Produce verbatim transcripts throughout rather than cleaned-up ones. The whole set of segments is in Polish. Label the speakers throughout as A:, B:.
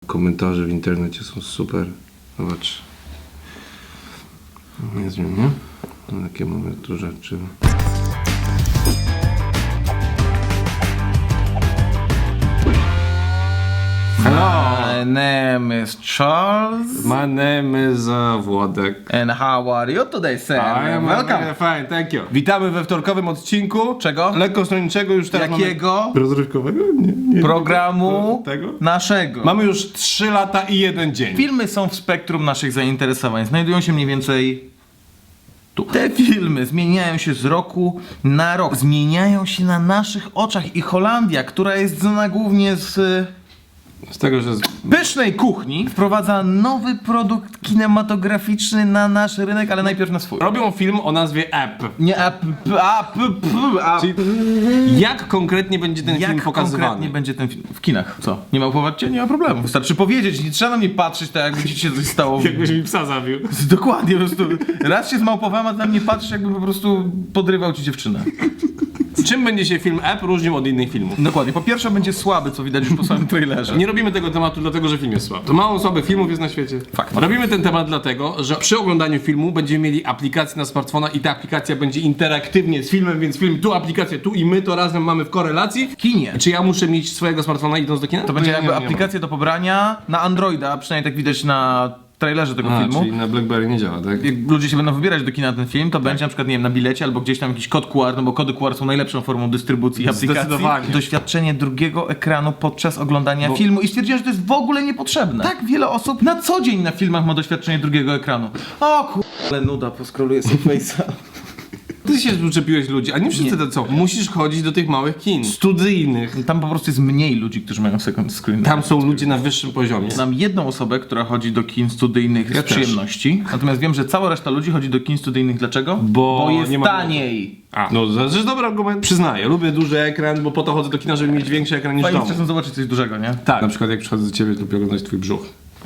A: komentarze w internecie są super. Zobacz. Nie zmienię. Takie mamy tu rzeczy. Hello!
B: My name is Charles.
A: My name is uh, Włodek.
B: And how are you today, sir?
A: I am
B: Welcome.
A: fine, thank you. Witamy we wtorkowym odcinku.
B: Czego?
A: Lekkostronniczego już teraz
B: Jakiego?
A: mamy... Rozrywkowego? Nie, nie.
B: Programu
A: Tego?
B: naszego.
A: Mamy już trzy lata i jeden dzień.
B: Filmy są w spektrum naszych zainteresowań. Znajdują się mniej więcej tu. Te filmy zmieniają się z roku na rok. Zmieniają się na naszych oczach i Holandia, która jest znana głównie z
A: Z tego, że... Z...
B: pysznej kuchni, wprowadza nowy produkt kinematograficzny na nasz rynek, ale najpierw na swój.
A: Robią film o nazwie App.
B: Nie, a, p, a, p, p, a,
A: Czyli jak konkretnie będzie ten film
B: Jak
A: pokazywany?
B: konkretnie będzie ten film? W kinach. Co? Nie małpować cię? Nie ma problemu. Wystarczy powiedzieć, nie trzeba na mnie patrzeć tak, jakby ci się coś stało.
A: Jakbyś mi psa zabił.
B: Dokładnie, po prostu raz się zmałpowałem, a ty na mnie patrzysz, jakby po prostu podrywał ci dziewczynę.
A: Czym będzie się film App różnił od innych filmów?
B: Dokładnie. Po pierwsze będzie słaby, co widać już po samym trailerze.
A: Nie robimy tego tematu dlatego, że film jest słaby. To mało słabych filmów jest na świecie.
B: Fakt.
A: Robimy ten temat dlatego, że przy oglądaniu filmu będziemy mieli aplikację na smartfona i ta aplikacja będzie interaktywnie z filmem, więc film tu, aplikację tu i my to razem mamy w korelacji.
B: W kinie.
A: Czy ja muszę mieć swojego smartfona idąc do kina?
B: To będzie
A: Nie,
B: jakby
A: nie, nie
B: aplikacja do pobrania na Androida, przynajmniej tak widać na trailerze tego
A: A,
B: filmu.
A: czyli na BlackBerry nie działa, tak?
B: Jak ludzie się będą wybierać do kina ten film, to będzie na przykład, nie wiem, na bilecie albo gdzieś tam jakiś kod Q R, no bo kody Q R są najlepszą formą dystrybucji aplikacji.
A: Zdecydowanie.
B: Doświadczenie drugiego ekranu podczas oglądania filmu i stwierdziłem, że to jest w ogóle niepotrzebne. Tak wiele osób na co dzień na filmach ma doświadczenie drugiego ekranu. O kur... ale nuda, poskroluję sobie face'a.
A: Ty się uczepiłeś ludzi, a nie wszyscy to co? Musisz chodzić do tych małych kin, studyjnych.
B: Tam po prostu jest mniej ludzi, którzy mają second screen.
A: Tam są ludzie na wyższym poziomie.
B: Znam jedną osobę, która chodzi do kin studyjnych
A: Ja
B: z
A: też.
B: przyjemności. Natomiast wiem, że cała reszta ludzi chodzi do kin studyjnych. Dlaczego?
A: Bo
B: Bo jest
A: nie ma-
B: taniej.
A: A, no to jest dobry argument. Przyznaję, lubię duży ekran, bo po to chodzę do kina, żeby mieć większy ekran niż w
B: Fajnie
A: domu.
B: czasem zobaczyć coś dużego, nie?
A: Tak. Na przykład jak przychodzę do ciebie, to lubię oglądać twój brzuch.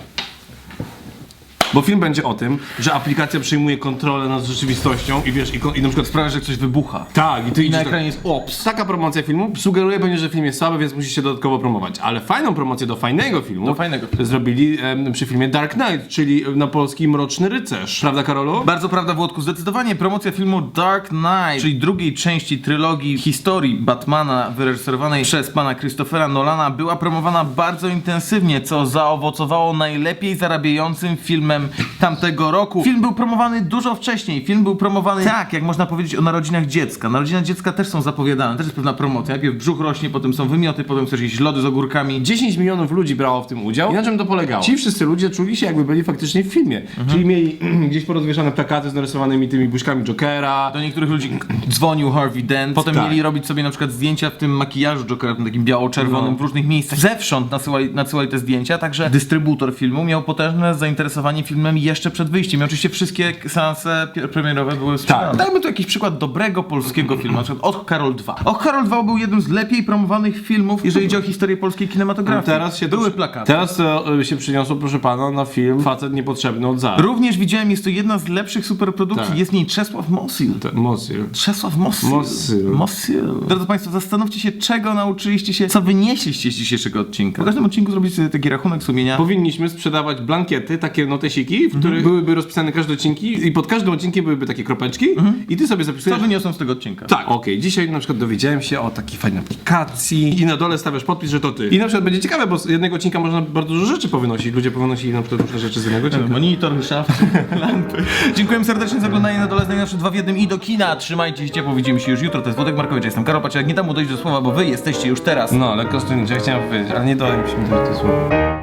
A: Bo film będzie o tym, że aplikacja przejmuje kontrolę nad rzeczywistością i wiesz, i, ko- i na przykład sprawia,
B: Sprawia, że coś wybucha.
A: tak, i ty
B: I na
A: idziesz
B: ekranie jest ops.
A: Taka promocja filmu sugeruje pewnie, że film jest słaby, więc musisz się dodatkowo promować. Ale fajną promocję do fajnego filmu
B: Do fajnego filmu.
A: zrobili em, przy filmie Dark Knight, czyli na polski Mroczny Rycerz. Prawda, Karolu?
B: Bardzo prawda, Włodku. Zdecydowanie promocja filmu Dark Knight, czyli drugiej części trylogii historii Batmana wyreżyserowanej przez pana Christophera Nolana, była promowana bardzo intensywnie, co zaowocowało najlepiej zarabiającym filmem tamtego roku. Film był promowany dużo wcześniej. Film był promowany tak, jak można powiedzieć o narodzinach dziecka. Narodziny dziecka też są zapowiadane, też jest pewna promocja. Najpierw brzuch rośnie, potem są wymioty, potem chcesz jakieś lody z ogórkami.
A: dziesięć milionów ludzi brało w tym udział. I na czym to polegało? Ci wszyscy ludzie czuli się, jakby byli faktycznie w filmie. Czyli mieli gdzieś porozwieszane plakaty z narysowanymi tymi buźkami Jokera.
B: Do niektórych ludzi dzwonił Harvey Dent. Potem
A: Tak.
B: mieli robić sobie na przykład zdjęcia w tym makijażu Jokera, w tym takim biało-czerwonym
A: No.
B: w różnych miejscach. Zewsząd nasyłali, nasyłali te zdjęcia, także dystrybutor filmu miał potężne zainteresowanie filmem jeszcze przed wyjściem. I oczywiście wszystkie seanse pi- premierowe były sprzedane. Dajmy tu jakiś przykład dobrego polskiego filmu, na przykład Och Karol dwa. Och Karol dwa był jednym z lepiej promowanych filmów, jeżeli chodzi o historię polskiej kinematografii.
A: Teraz się
B: były
A: to,
B: plakaty.
A: Teraz to y, się przyniosło, proszę pana, na film Facet niepotrzebny od za.
B: Również widziałem, jest to jedna z lepszych superprodukcji.
A: Tak.
B: Jest w niej Czesław Mosil.
A: Mosyl.
B: Czesław Mosyl.
A: Mosyl.
B: Mosyl. Drodzy Państwo, zastanówcie się, czego nauczyliście się, co wynieśliście z dzisiejszego odcinka. Po każdym odcinku zrobić sobie taki rachunek sumienia.
A: Powinniśmy sprzedawać blankiety, takie notesiki, w których byłyby rozpisane każde odcinki i pod każdym odcinkiem byłyby takie kropeczki i ty sobie
B: Co
A: zapisujesz...
B: wyniosłem z tego odcinka?
A: Tak, okej, dzisiaj na przykład dowiedziałem się o takiej fajnej aplikacji i na dole stawiasz podpis, że to ty. I na przykład będzie ciekawe, bo z jednego odcinka można bardzo dużo rzeczy powynosić. Ludzie powynosili na przykład różne rzeczy z jednego odcinka.
B: Monitor, szaft, lampy. Dziękuję serdecznie za oglądanie na dole najnowsze dwa w jednym i do kina. Trzymajcie się ciepło, widzimy się już jutro. To jest Włodek Markowicz, ja jestem Karol Paciak. Nie dam mu dojść do słowa, bo wy jesteście już teraz.
A: No, lekko stronnicze, ja chciałem powiedzieć, ale nie dałem mi się mi dojść do słowa.